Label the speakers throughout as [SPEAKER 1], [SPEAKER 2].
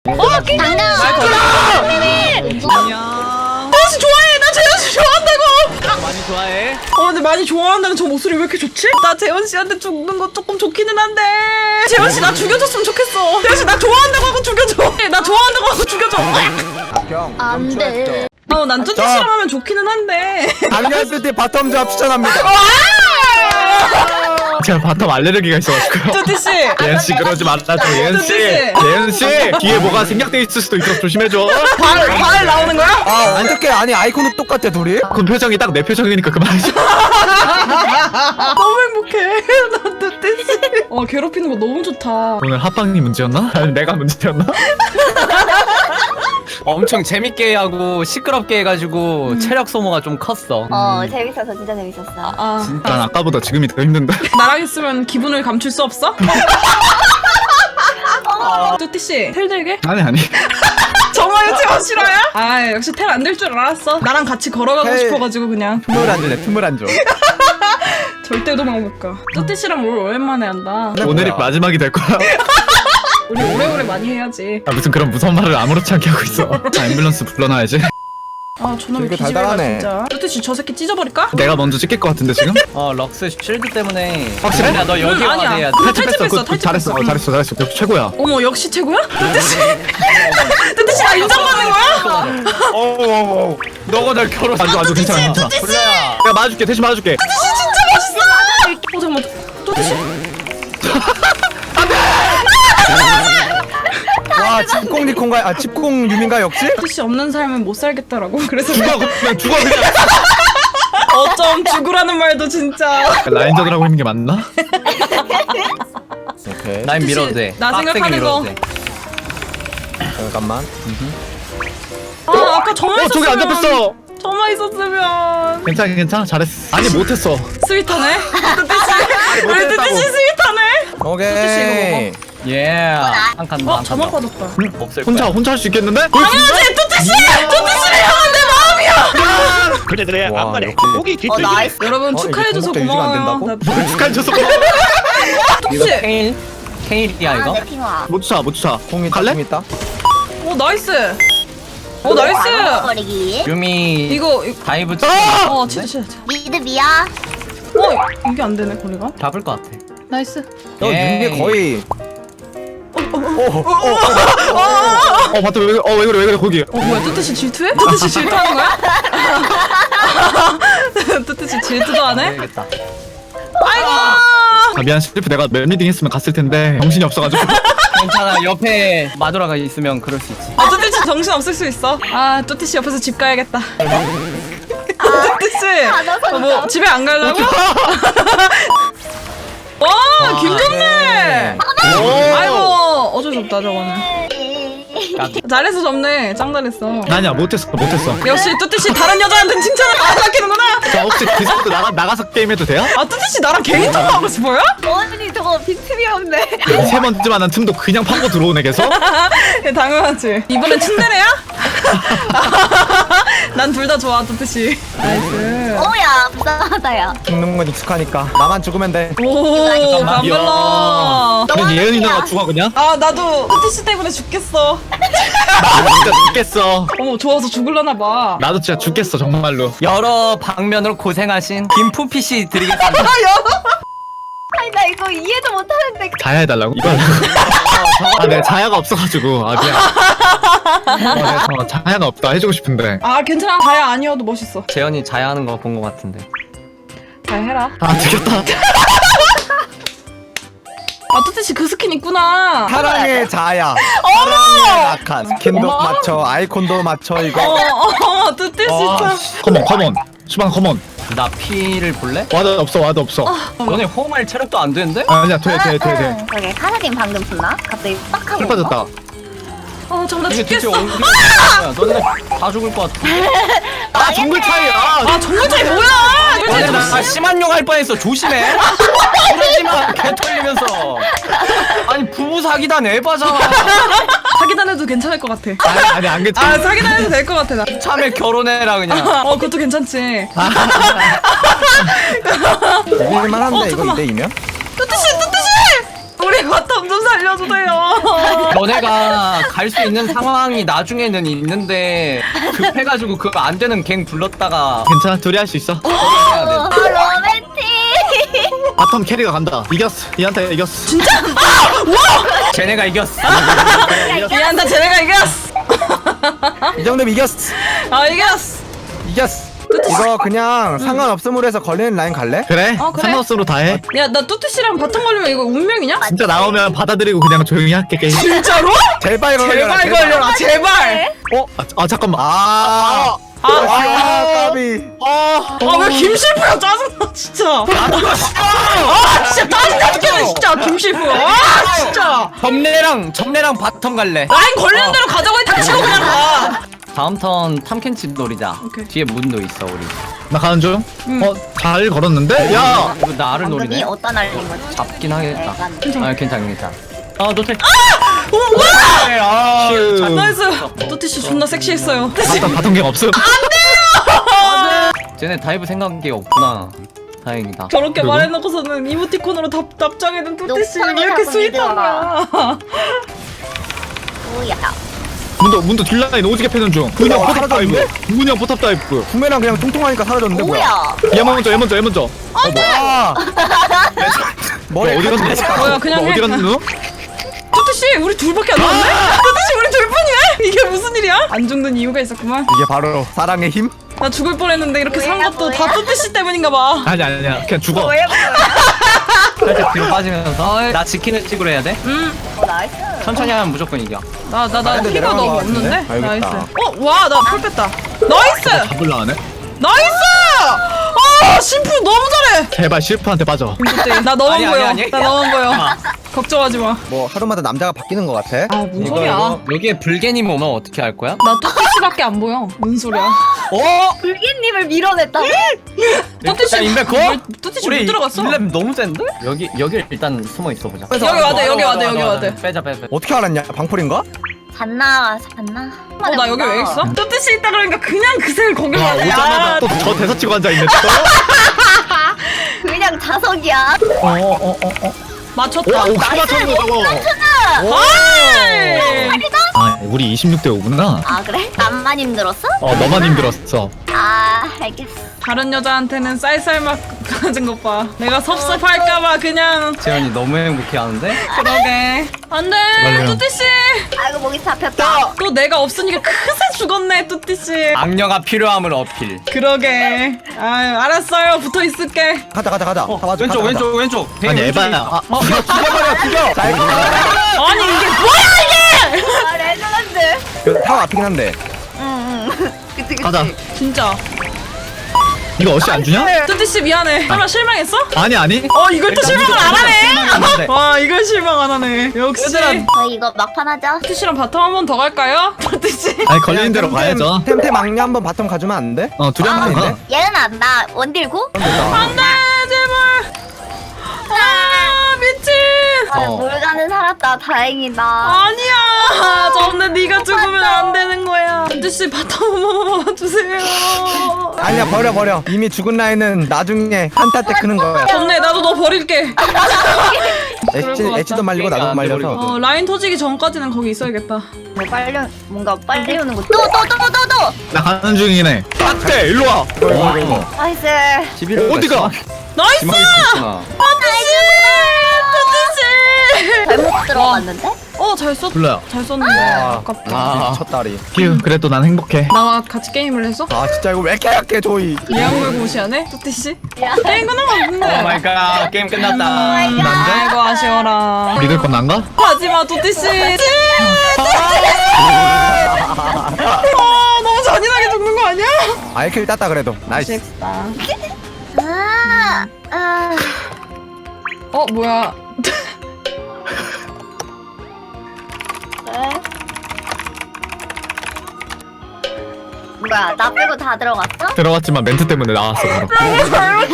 [SPEAKER 1] 안녕.
[SPEAKER 2] 재현씨 좋아해. 나 재현씨 좋아한다고.
[SPEAKER 1] 많이 좋아해?
[SPEAKER 2] 근데 많이 좋아한다는 저 목소리 왜 이렇게 좋지? 나 재현씨한테 죽는 거 조금 좋기는 한데. 재현씨 나 죽여줬으면 좋겠어. 재현씨 나 좋아한다고 하고 죽여줘. 나 좋아한다고 하고 죽여줘.
[SPEAKER 3] 안 돼.
[SPEAKER 2] 난 뚜띠씨랑 하면 좋기는 한데.
[SPEAKER 4] 달렸을 때 바텀 조합 추천합니다.
[SPEAKER 5] 제가 바텀 알레르기가 있어가지고요.
[SPEAKER 2] 뚜띠씨.
[SPEAKER 5] 예은씨 그러지 말아줘. 예은씨 예은씨 뒤에 뭐가 생략돼 있을 수도 있도록 조심해줘.
[SPEAKER 2] 발 나오는 거야?
[SPEAKER 4] 아 어떡해. 아니 아이콘도 똑같아 둘이.
[SPEAKER 5] 그 표정이 딱 내 표정이니까 그만하자.
[SPEAKER 2] 너무 행복해. 나 뚜띠씨. 괴롭히는 거 너무 좋다.
[SPEAKER 5] 오늘 합방이 문제였나? 아니 내가 문제였나?
[SPEAKER 1] 엄청 재밌게 하고 시끄럽게 해가지고 체력 소모가 좀 컸어.
[SPEAKER 3] 재밌었어. 진짜 재밌었어.
[SPEAKER 5] 난 아까보다 지금이 더 힘든데.
[SPEAKER 2] 나랑 있으면 기분을 감출 수 없어? 뚜띠씨 텔 들게?
[SPEAKER 5] 아니
[SPEAKER 2] 정말 제가 싫어요? 역시 텔 안 될 줄 알았어. 나랑 같이 걸어가고
[SPEAKER 4] 텔.
[SPEAKER 2] 싶어가지고 그냥
[SPEAKER 4] 틈을 안 주네. 틈을 안 줘.
[SPEAKER 2] 절대 도망 못 가. 뚜띠씨랑 롤 오랜만에 한다.
[SPEAKER 5] 오늘이 마지막이 될 거야.
[SPEAKER 2] 우리 오래오래 많이 해야지.
[SPEAKER 5] 무슨 그런 무서운 말을 아무렇지 않게 하고 있어. 앰뷸런스 불러놔야지.
[SPEAKER 2] 저놈의
[SPEAKER 4] 되게
[SPEAKER 2] 기집애가
[SPEAKER 4] 달달하네.
[SPEAKER 2] 진짜. 뚜띠씨 저 새끼 찢어버릴까?
[SPEAKER 5] 내가 먼저 찍힐 것 같은데 지금?
[SPEAKER 1] 럭스 실드 때문에.
[SPEAKER 5] 확실해?
[SPEAKER 1] 야, 너 여기 와야
[SPEAKER 2] 아니야.
[SPEAKER 1] 돼.
[SPEAKER 2] 탈출했어.
[SPEAKER 5] 그거 잘했어. 잘했어. 역시 최고야.
[SPEAKER 2] 어머 역시 최고야? 뚜띠씨 뚜띠씨 나 인정받는 거야?
[SPEAKER 1] 너가 날 결혼.
[SPEAKER 5] 아주 괜찮아.
[SPEAKER 1] 불러야.
[SPEAKER 5] 내가 맞아줄게. 대신 맞아줄게.
[SPEAKER 2] 뚜띠씨 진짜 멋있어. 잠깐만 뚜띠씨
[SPEAKER 4] 와 집공 리콘가 집공 유민가 역시?
[SPEAKER 2] 뚜띠씨 없는 삶은 못 살겠다라고. 그래서
[SPEAKER 5] 죽어 그냥 죽어 그냥.
[SPEAKER 2] 어쩜 죽으라는 말도 진짜.
[SPEAKER 5] 라인전을 하고 있는 게 맞나?
[SPEAKER 4] 오케이.
[SPEAKER 1] 난 밀어도 돼.
[SPEAKER 2] 나
[SPEAKER 1] 빡세게
[SPEAKER 2] 생각하는
[SPEAKER 1] 밀어도
[SPEAKER 2] 거.
[SPEAKER 1] 돼.
[SPEAKER 4] 잠깐만.
[SPEAKER 2] 아까 저만
[SPEAKER 5] 저기 안
[SPEAKER 2] 있었으면.
[SPEAKER 5] 잡혔어.
[SPEAKER 2] 저만 있었으면.
[SPEAKER 5] 괜찮아. 잘했어. 아니 못했어.
[SPEAKER 2] 스윗하네. 뚜띠씨 우리 뚜띠씨 스윗하네.
[SPEAKER 4] 오케이.
[SPEAKER 1] 예. 한 칸 더. 한 칸
[SPEAKER 2] 저만
[SPEAKER 1] 더.
[SPEAKER 2] 빠졌다.
[SPEAKER 1] 없을 거야.
[SPEAKER 5] 혼자 할 수 있겠는데?
[SPEAKER 2] 당연하지 뚜띠씨를 향한 내 마음이야.
[SPEAKER 6] 그녀들의
[SPEAKER 4] 와,
[SPEAKER 6] 앞만에
[SPEAKER 4] 역시.
[SPEAKER 6] 고기 깃들기.
[SPEAKER 3] 나이스.
[SPEAKER 2] 여러분
[SPEAKER 4] 이게
[SPEAKER 2] 축하해줘서
[SPEAKER 4] 공복자 유지가 안
[SPEAKER 2] 고마워요.
[SPEAKER 4] 된다고?
[SPEAKER 5] 축하해줘서
[SPEAKER 2] 뚜띠씨.
[SPEAKER 1] 케일? 케일이야 이거?
[SPEAKER 3] 내 핑화.
[SPEAKER 5] 못 차.
[SPEAKER 4] 공 있다.
[SPEAKER 5] 갈래?
[SPEAKER 4] 공 있다.
[SPEAKER 2] 나이스. 나이스.
[SPEAKER 3] 버리기.
[SPEAKER 1] 유미
[SPEAKER 2] 이거
[SPEAKER 1] 다이브
[SPEAKER 2] 진짜.
[SPEAKER 3] 미드 미야.
[SPEAKER 2] 이게 안 되네 거리가.
[SPEAKER 1] 잡을 것 같아.
[SPEAKER 2] 나이스.
[SPEAKER 4] 너
[SPEAKER 1] 예이.
[SPEAKER 4] 유미 거의.
[SPEAKER 5] 봤다. 왜 그래 거기.
[SPEAKER 2] 뭐야 뚜띠씨 질투해? 뚜띠씨 질투하는 거야? 뚜띠씨 질투도 안 해?
[SPEAKER 1] 되겠다.
[SPEAKER 2] 아이고.
[SPEAKER 5] 미안 실프 내가 맵리딩 했으면 갔을 텐데 정신이 없어가지고.
[SPEAKER 1] 괜찮아. 옆에 마누라가 있으면 그럴 수 있지.
[SPEAKER 2] 뚜띠씨 정신 없을 수 있어. 뚜띠씨 옆에서 집 가야겠다. 뚜띠씨. 뭐 집에 안 가려고? 와 김정래. 아이고 어쩔 수 없다 저거는. 잘했어 접네. 짱 잘했어.
[SPEAKER 5] 아니야 못했어.
[SPEAKER 2] 역시 뚜띠씨 다른 여자한테는 칭찬을 안 아끼는구나.
[SPEAKER 5] 자 혹시 디스코드 나가서 게임해도 돼요?
[SPEAKER 2] 뚜띠씨 나랑 개인적으로 하고 싶어요?
[SPEAKER 3] 언니 저거 빈틈이 없네.
[SPEAKER 5] 세 번째만한 틈도 그냥 파고 들어오네 계속.
[SPEAKER 2] 당연하지. 이번엔 츤데레야? 난 둘 다 좋아 뚜띠씨. 나이스.
[SPEAKER 3] 오야 불쌍하다 야.
[SPEAKER 4] 죽는 건 익숙하니까. 나만 죽으면 돼.
[SPEAKER 2] 오 감별러.
[SPEAKER 5] 그냥 예은이 누나가 죽어 그냥?
[SPEAKER 2] 나도 뚜띠씨 때문에 죽겠어.
[SPEAKER 5] 나도 진짜 죽겠어.
[SPEAKER 2] 어머 좋아서 죽을려나 봐.
[SPEAKER 5] 나도 진짜 죽겠어 정말로.
[SPEAKER 1] 여러 방면으로 고생하신 김푸피 씨 드리겠습니다.
[SPEAKER 3] 아니 나 이거 이해도 못하는데.
[SPEAKER 5] 자야 해달라고? 이거 하려고? 내가 자야가 없어가지고 미안. 내가 자야가 없다 해주고 싶은데.
[SPEAKER 2] 괜찮아. 다야 아니어도 멋있어.
[SPEAKER 1] 재현이 자야하는 거 본 것 같은데.
[SPEAKER 2] 잘 해라.
[SPEAKER 5] 되겠다.
[SPEAKER 2] 뚜띠씨 그 스킨 있구나.
[SPEAKER 4] 사랑의 자야. 사랑의 라칸. 스킨도 맞춰. 아이콘도 맞춰 이거.
[SPEAKER 2] 뚜띠씨 참.
[SPEAKER 5] 컴온 수방 컴온.
[SPEAKER 1] 나 피를 볼래?
[SPEAKER 5] 와드 없어.
[SPEAKER 1] 너네 호응할 체력도 안 되는데?
[SPEAKER 5] 아니야 돼.
[SPEAKER 3] 저게 카사딘 방금 붙나? 갑자기 빡 하고.
[SPEAKER 5] 풀 빠졌다.
[SPEAKER 2] 잠깐 나
[SPEAKER 1] 이게 대체
[SPEAKER 2] 죽겠어.
[SPEAKER 1] 어디 거야? 너네 다 죽을 것 같아.
[SPEAKER 5] 정글 차이야.
[SPEAKER 2] 정말 차이 뭐야?
[SPEAKER 1] 너네 나 심한 욕 할 뻔했어. 조심해. 그러지마. 개 털리면서. 아니 부부 사기단 에바잖아.
[SPEAKER 2] 사기단 해도 괜찮을 것 같아.
[SPEAKER 5] 아니 안 괜찮아.
[SPEAKER 2] 사기단 해도 될 것 같아 나.
[SPEAKER 1] 참에 결혼해라 그냥.
[SPEAKER 2] 그것도 괜찮지.
[SPEAKER 4] 이길만 한데 이거
[SPEAKER 2] 잠깐만.
[SPEAKER 4] 2대2면?
[SPEAKER 2] 뚜띠씨! 우리 우리 바텀 좀 살려주세요.
[SPEAKER 1] 너네가 갈 수 있는 상황이 나중에는 있는데 급해가지고 그거 안 되는 갱 불렀다가
[SPEAKER 5] 괜찮아, 둘이 할 수 있어.
[SPEAKER 1] 해야 돼.
[SPEAKER 3] 로맨틱.
[SPEAKER 5] 바텀 캐리가 간다. 이겼어. 이한테 이겼어.
[SPEAKER 1] 쟤네가 이겼어.
[SPEAKER 2] 미안하다, 쟤네가 이겼어.
[SPEAKER 4] 이 정도면 이겼어.
[SPEAKER 2] 아, 이겼어.
[SPEAKER 4] 이겼어. 이거 그냥 상관없음으로 해서 걸리는 라인 갈래?
[SPEAKER 5] 그래?
[SPEAKER 2] 어, 그래?
[SPEAKER 5] 상관없으로 다 해.
[SPEAKER 2] 야, 나 뚜뚜씨랑 바텀 걸리면 이거 운명이냐?
[SPEAKER 5] 진짜 나오면 받아들이고 그냥 조용히 할게 게임.
[SPEAKER 2] 진짜로?
[SPEAKER 4] 제발 걸려라.
[SPEAKER 2] 제발 걸려라, 제발.
[SPEAKER 5] 잠깐만.
[SPEAKER 4] 아, 까비.
[SPEAKER 2] 아, 왜 김실프야? 짜증나, 진짜. 아, 진짜 짜증나 죽겠네, 진짜. 김실프. 아, 진짜.
[SPEAKER 1] 점례랑 바텀 갈래.
[SPEAKER 2] 라인 걸리는 대로 가자고 해, 닥치고 그냥 가.
[SPEAKER 1] 다음 턴 탐켄치 노리자.
[SPEAKER 2] 오케이.
[SPEAKER 1] 뒤에 문도 있어 우리.
[SPEAKER 5] 나 가는 중. 잘 걸었는데? 야!
[SPEAKER 1] 이거 나를
[SPEAKER 3] 방금이
[SPEAKER 1] 노리네.
[SPEAKER 3] 어떤 알린 거지?
[SPEAKER 1] 잡긴 하겠다.
[SPEAKER 3] 약간.
[SPEAKER 1] 아 괜찮아. 아 노텔.
[SPEAKER 2] 오, 와!
[SPEAKER 1] 아,
[SPEAKER 5] 슈.
[SPEAKER 2] 나이스. 뚜띠씨 존나 섹시했어요.
[SPEAKER 5] 바텀 갱 없음.
[SPEAKER 1] 쟤네 다이브 생각이 없구나. 다행이다.
[SPEAKER 2] 저렇게
[SPEAKER 5] 그리고?
[SPEAKER 2] 말해놓고서는 이모티콘으로 답장해는 뚜띠씨 왜
[SPEAKER 3] 녹턴이
[SPEAKER 2] 이렇게
[SPEAKER 3] 자꾸
[SPEAKER 2] 스윗하냐.
[SPEAKER 3] 뭐야?
[SPEAKER 5] 문도 딜라인 오지게 패는 중. 문형 포탑 다이브. 문형 포탑 다이브.
[SPEAKER 4] 구매랑 그냥 통통하니까 사라졌는데 뭐야?
[SPEAKER 3] 뭐야?
[SPEAKER 5] 얘 먼저.
[SPEAKER 4] 아, 머리
[SPEAKER 5] 어디 갔니?
[SPEAKER 2] 뭐야, 그냥 해.
[SPEAKER 5] 어디 갔니 너?
[SPEAKER 2] 뚜띠씨 우리 둘밖에 안 남았네? 뚜띠씨 우리 둘뿐이네? 이게 무슨 일이야? 안 죽는 이유가 있었구만.
[SPEAKER 4] 이게 바로 사랑의 힘?
[SPEAKER 2] 나 죽을 뻔했는데 이렇게 산
[SPEAKER 3] 뭐야,
[SPEAKER 2] 것도
[SPEAKER 3] 뭐야.
[SPEAKER 2] 다 뚜띠씨 때문인가 봐.
[SPEAKER 5] 아니야. 그냥 죽어.
[SPEAKER 3] 뭐야?
[SPEAKER 1] 살짝 뒤로 빠지면서 나 지키는 식으로 해야 돼.
[SPEAKER 3] 나이스.
[SPEAKER 1] 천천히 하면 무조건 이겨.
[SPEAKER 2] 나
[SPEAKER 4] 근데
[SPEAKER 2] 피가
[SPEAKER 4] 내려간
[SPEAKER 2] 너무
[SPEAKER 4] 것 같은데?
[SPEAKER 2] 없는데?
[SPEAKER 4] 알겠다.
[SPEAKER 2] 나이스. 와, 나 풀 뺐다. 나이스!
[SPEAKER 5] 잡을라 하네.
[SPEAKER 2] 나이스! 아, 심플 너무 잘해!
[SPEAKER 5] 제발 실프한테 빠져.
[SPEAKER 2] 나 너만
[SPEAKER 1] 아니,
[SPEAKER 2] 보여.
[SPEAKER 1] 아니.
[SPEAKER 2] 나 너만 보여. 걱정하지 마.
[SPEAKER 4] 뭐 하루마다 남자가 바뀌는 것 같아.
[SPEAKER 2] 아, 뭔 소리야.
[SPEAKER 1] 여기에 불개님 오면 어떻게 할 거야?
[SPEAKER 2] 나 뚜띠씨밖에 안 보여. 뭔 소리야.
[SPEAKER 3] 불기님을 밀어냈다고?
[SPEAKER 2] 뚜띠씨.
[SPEAKER 1] 인베코?
[SPEAKER 2] 뚜띠씨 못 들어갔어.
[SPEAKER 1] 일렙 너무 센데? 여기 일단 숨어 있어 보자.
[SPEAKER 2] 여기 와대.
[SPEAKER 1] 빼자.
[SPEAKER 4] 어떻게 알았냐? 방풀인가?
[SPEAKER 3] 잤나?
[SPEAKER 2] 나 여기 왜 있어? 뚜띠씨 있다 그러니까 그냥 그새 거기
[SPEAKER 5] 와,
[SPEAKER 2] 가네.
[SPEAKER 5] 오자마자 또 저 대사 치고 앉아있네.
[SPEAKER 3] 그냥 자석이야.
[SPEAKER 2] 맞췄다.
[SPEAKER 5] 오, 키 맞췄네, 저거.
[SPEAKER 2] 아이!
[SPEAKER 5] 아, 우리 26대 5구나.
[SPEAKER 3] 아 그래? 나만 힘들었어?
[SPEAKER 5] 너만 힘들었어.
[SPEAKER 3] 아 알겠어.
[SPEAKER 2] 다른 여자한테는 쌀쌀맛 가진 것 봐. 내가 섭섭할까봐 그냥.
[SPEAKER 1] 재현이 너무 행복해하는데?
[SPEAKER 2] 그러게. 안돼,
[SPEAKER 5] 제발요.
[SPEAKER 2] 뚜띠씨.
[SPEAKER 3] 아이고 목이 잡혔다.
[SPEAKER 2] 또 내가 없으니까 크세 죽었네, 뚜띠씨.
[SPEAKER 1] 악녀가 필요함을 어필.
[SPEAKER 2] 그러게. 아유, 알았어요. 붙어 있을게.
[SPEAKER 4] 가자. 다 맞아.
[SPEAKER 1] 왼쪽.
[SPEAKER 5] 아니, 에바야. 아,
[SPEAKER 4] 죽여. 자, 이거
[SPEAKER 2] 아니 이게 뭐야 이게?
[SPEAKER 3] 아 레전드.
[SPEAKER 4] 타워 앞이긴 한데.
[SPEAKER 3] 응. 그치.
[SPEAKER 5] 가자.
[SPEAKER 2] 진짜.
[SPEAKER 5] 이거 어시 안 주냐?
[SPEAKER 2] 뚜띠씨 미안해. 설마 실망했어?
[SPEAKER 5] 아니.
[SPEAKER 2] 이걸 또 실망을 안 하네. 와, 이걸 실망 안 하네. 역시.
[SPEAKER 1] 얘들아.
[SPEAKER 3] 저희 이거 막판 하자.
[SPEAKER 2] 뚜띠씨랑 바텀 한 번 더 갈까요? 뚜띠씨.
[SPEAKER 5] 아니, 걸리는 대로 가야죠.
[SPEAKER 4] 템템 막내 한번 바텀 가주면 안 돼?
[SPEAKER 5] 둘이 한번 가.
[SPEAKER 3] 얘는 안나 원딜고?
[SPEAKER 2] 안돼, 제발. 아, 미친.
[SPEAKER 3] 물가는 살았다. 다행이다.
[SPEAKER 2] 아니야. 저번에 네가 죽으면 안 되는 거야. 뚜띠씨 바텀 한 번만 봐주세요.
[SPEAKER 4] 아니야 버려. 이미 죽은 라인은 나중에 한타 때 크는 거야.
[SPEAKER 2] 좋네, 나도 너 버릴게.
[SPEAKER 4] 엣지도 말리고 나도 말려서.
[SPEAKER 2] 라인 터지기 전까지는 거기 있어야겠다.
[SPEAKER 3] 뭐 뭔가 빨리 오는 거. 또.
[SPEAKER 5] 나 가는 중이네. 딱대, 일로 와.
[SPEAKER 3] 나이스.
[SPEAKER 5] 어디가?
[SPEAKER 2] 나이스!
[SPEAKER 1] 심하게 컸구나.
[SPEAKER 2] 뚜띠씨!
[SPEAKER 3] 잘못 들어갔는데?
[SPEAKER 2] 잘 썼.
[SPEAKER 5] 불러요.
[SPEAKER 2] 잘 썼는데 아깝다.
[SPEAKER 4] 첫 다리.
[SPEAKER 5] 휴, 그래도 난 행복해.
[SPEAKER 2] 나와 같이 게임을 해서?
[SPEAKER 4] 아 진짜 이거 왜 이렇게 약해 조이.
[SPEAKER 2] 예약물 무시하네? 뚜띠씨?
[SPEAKER 3] 야.
[SPEAKER 2] 게임 끝난 거 같은데?
[SPEAKER 1] 오 마이 갓. 게임 끝났다.
[SPEAKER 2] 아이고 아쉬워라.
[SPEAKER 5] 믿을 건 난가?
[SPEAKER 2] 하지마 뚜띠씨. 너무 잔인하게 죽는 거 아니야?
[SPEAKER 4] 아이킬 땄다 그래도. 나이스.
[SPEAKER 2] 뭐야.
[SPEAKER 3] 그래. 뭐야 나 빼고 다 들어갔어?
[SPEAKER 5] 들어갔지만 멘트 때문에 나왔어. 바로.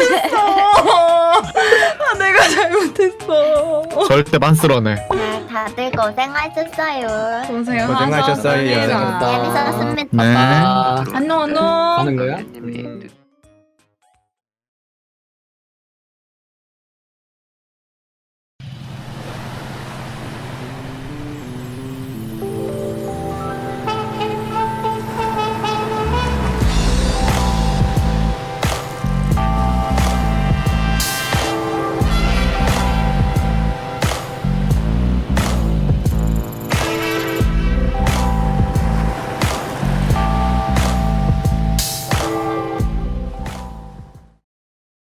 [SPEAKER 2] 내가 잘못했어.
[SPEAKER 5] 절대 만스러네.
[SPEAKER 3] 다들 고생하셨어요.
[SPEAKER 4] 고생하셨어요.
[SPEAKER 3] 재밌었습니다.
[SPEAKER 5] 네.
[SPEAKER 2] 안녕.
[SPEAKER 1] 하는 거야?